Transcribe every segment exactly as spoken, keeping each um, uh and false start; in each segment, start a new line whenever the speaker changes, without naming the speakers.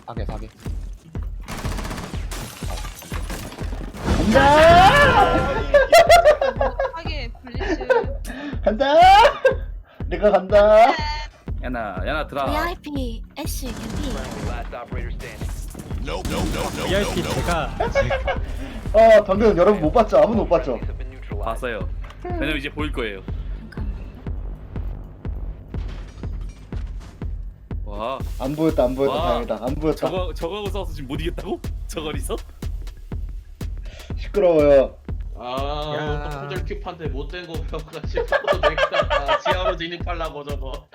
사계 사계.
간다!
하게 블리츠.
간다! 내가 간다!
야나 야나 드라.
브이아이피 애쉬 개피.
브이아이피 제가
아, 방금 여러분 못 봤죠? 아무도 못 봤죠?
봤어요. 왜냐면 이제 보일 거예요. 와
안 보였다, 안 보였다,
와.
다행이다. 안 보였다.
저거 저거하고 싸워서 지금 못 이겼다고? 저거리서?
시끄러워요.
아,
야.
또 포절 큐판테 못된 거 배워가지고 내가 지하로 진입하려고 저거.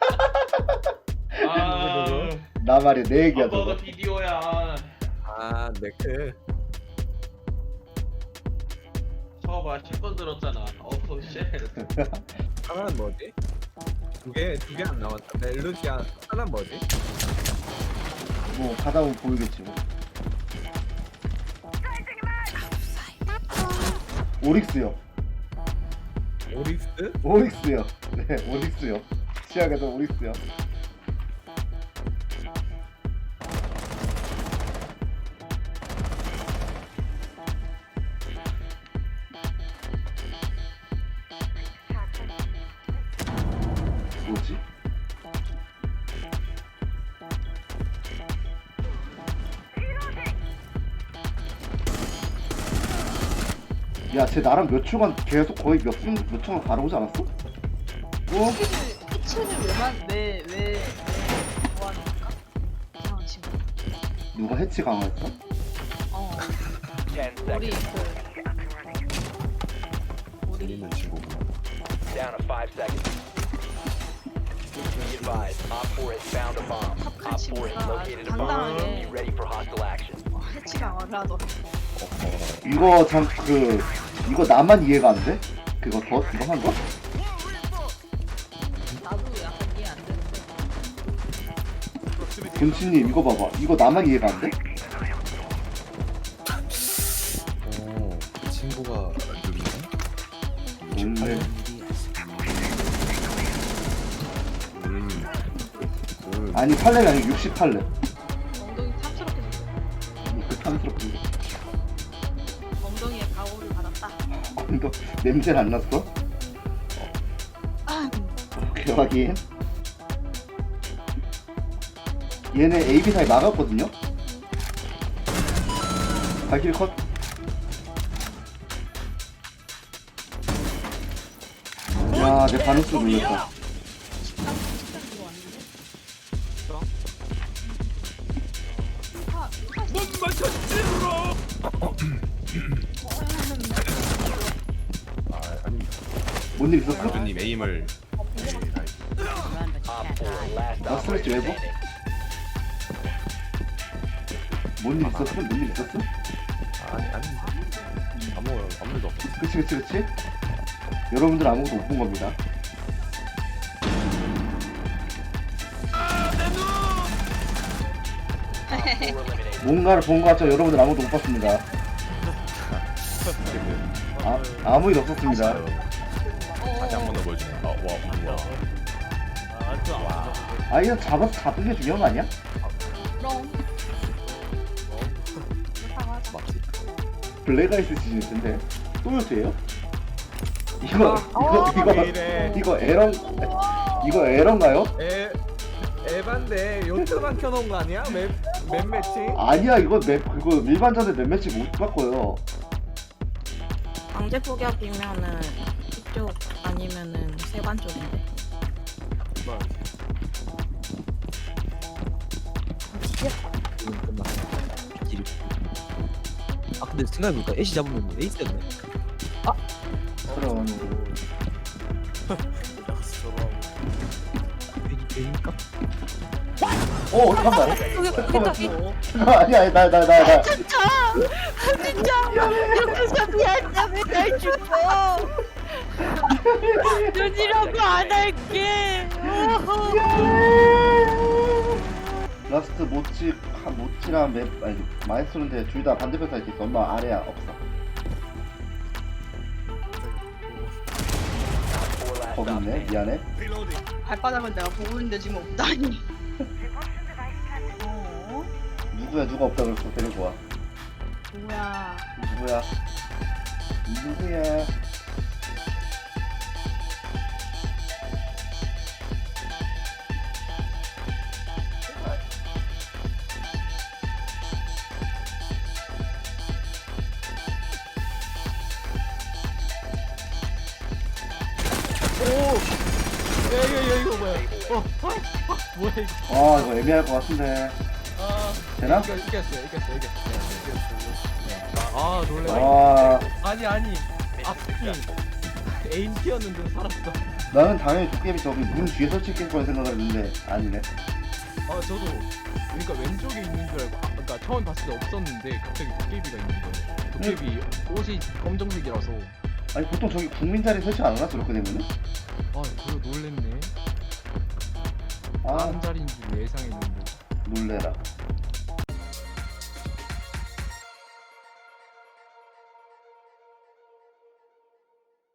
아,
나 말이야, 내 얘기야,
버거
저거.
비디오야.
아 네크.
처봐 샷건 들었잖아. 어우 쉣.
하나는 뭐지? 두 개 두 개 안 나왔다. 멜루시아 하나는 뭐지?
뭐, 가다 보면 보이겠지, 뭐. 오릭스요.
오릭스?
오릭스요. 네, 오릭스요. 시작해서 오릭스요. 뭐지? 야, 쟤 나랑 몇 초간 계속 거의 몇 분, 몇 초간 바라보지 않았어? 어?
피치는 왜만왜왜 뭐하는 걸까? 이상한 친구.
누가 해치 강화했어?
어. 우리 그 우리
들리는 친구구나.
Down to five seconds. Be advised, Op four has found a bomb. Op four has located a bomb. Be ready for hostile action.
어, 해치 강화를 하더라.
이거 참 그 이거 나만 이해가 안 돼? 그거 더 이거 한 거?
나도 약간 이해 안 되는데.
군치님 이거 봐봐. 이거 나만 이해가 안 돼?
오, 그 친구가 누구냐?
원래
음. 음.
아니 팔레가 아니고 육십팔 레.
엉덩이 탐스럽게 생겼어.
그 탐스럽게.
엉덩이에 가오를 받았다.
이거 냄새는 안 났어?
아,
오케이 확인. 얘네 에이 비 사이 막았거든요? 발키리 컷. 야, 내 반응수 눌렸다.
식당 식당 이거 왔는데. 파 파.
아, 아니,
뭔 일 있었어?
교주님 에임을
Op four, last
나 스트레스
operator
외부?
standing.
뭔 일 있었어? 뭔 일 있었어?
아니 아닌데 아무 아무 일도 없어.
그치 그치 그치? 여러분들 아무것도 못 본 겁니다.
Op four eliminated.
뭔가를 본 것 같죠? 여러분들 아무것도 못 봤습니다. 아, 아무 일 없었습니다.
다시 한 번 더 보여주네. 아, 와, 우와.
아, 이거 잡아서 잡은 게 중요한 거 아니야?
그럼. 그렇다고 하자.
맞지?
블랙아이스 시즌 텐데 또 요트예요? 이거 이거 이거
왜 이래?
이거 에런 이거 에런가요?
에 에반데 요트만 켜놓은 거 아니야? 맵, 맵 매칭?
아니야 이거 맵 그거 일반전에 몇 매치 못 바꿔요.
강제 포격이면은 이쪽 아니면은 세관 쪽인데.
지금 끝났어. 딜. 아 근데 생각해보니까 애쉬 잡으면 에이스였네.
그럼
괜히 괜히니까?
어 잠깐만 잠깐만 잠깐만 아니야 아니, 나 나 나 나
진짜 진짜 여기서 미안해 왜날 죽어. 눈이라고 안 할게.
라스트 모치 한 모치랑 맵 아니 마이스터인데 둘 다 반대편 사이트 있어. 엄마 아래야 없어.
Op four last
거기
stop
있네.
standing.
미안해.
발바닥은 내가 보고 있는데 지금 없다니. 어?
누구야 누가 없다 그랬어 데리고 와.
뭐야.
누구야? 누구야?
야 이거 이거 이거 뭐야? 어, 어, 어 뭐야 이거?
아 이거 애매할 것 같은데.
아,
되나?
이거 이겼어요, 이겼어요, 이겼어요. 아 놀래.
아
아니 아니. 앞이 에임 튀었는데 살았어.
나는 당연히 도깨비 저기 문 뒤에 설치했을 거라 생각을 했는데 아니네.
아 저도 그러니까 왼쪽에 있는 줄 알고, 아, 그러니까 처음 봤을 때 없었는데 갑자기 도깨비가 있는 거예요. 도깨비 옷이 검정색이라서.
아니 보통 저기 국민 자리 설치 안 해놨어 그렇게 되면은?
아 그거 놀랬네.
아
다른 자리인 줄 예상했는데.
놀래라.